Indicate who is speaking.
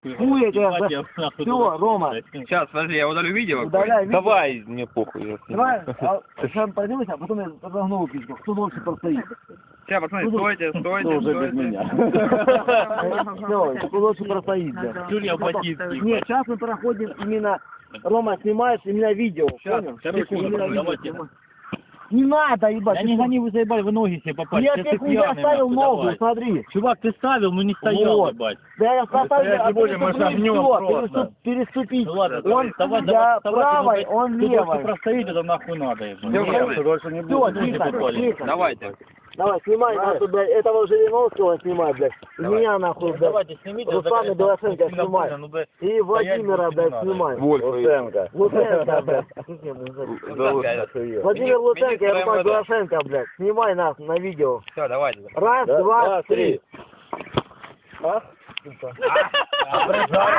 Speaker 1: Хуй я тебя... Все, Рома.
Speaker 2: Сейчас, подожди, я удалю видео.
Speaker 1: Удаляй видео.
Speaker 3: Давай, мне похуй.
Speaker 1: Давай, сам пройдемся, а потом я разогнул пичку. Кто дольше простоит?
Speaker 2: Все, пацаны, стойте, стойте, стойте.
Speaker 1: Все, кто дольше простоит, да.
Speaker 3: Юрия Батинский.
Speaker 1: Нет, сейчас мы проходим именно... Рома, снимаешь именно видео, понял?
Speaker 3: Давайте.
Speaker 1: Не надо, ебать.
Speaker 3: Я не гони, вы заебали, вы ноги себе попали.
Speaker 1: Я тебе хуй оставил ногу, смотри.
Speaker 3: Чувак, ты ставил, но не стоял,
Speaker 1: Вот.
Speaker 3: ебать.
Speaker 1: Да я поставил,
Speaker 3: не будем, мы шагнем просто.
Speaker 1: Переступить.
Speaker 3: Ну ладно,
Speaker 1: Он
Speaker 3: давай,
Speaker 1: я
Speaker 3: давай,
Speaker 1: правой,
Speaker 3: ну,
Speaker 1: он
Speaker 3: ты
Speaker 1: левой.
Speaker 3: просто простоит, это нахуй надо, ебать.
Speaker 2: Все,
Speaker 3: Больше не
Speaker 1: Все,
Speaker 3: будет.
Speaker 1: тихо, тихо.
Speaker 2: давайте.
Speaker 1: Давай, снимай, нахуй, блядь, этого Жириновского снимай, блядь. И меня, нахуй, блядь.
Speaker 3: Давайте, снимите.
Speaker 1: Руслана Белошенко снимай. И Владимира, блядь, снимай.
Speaker 3: Луценко.
Speaker 1: Луценко, блядь. Владимир Луценко и Руслан Белошенко, блядь. Снимай нас на видео.
Speaker 2: Все, давайте.
Speaker 1: Раз, два, три.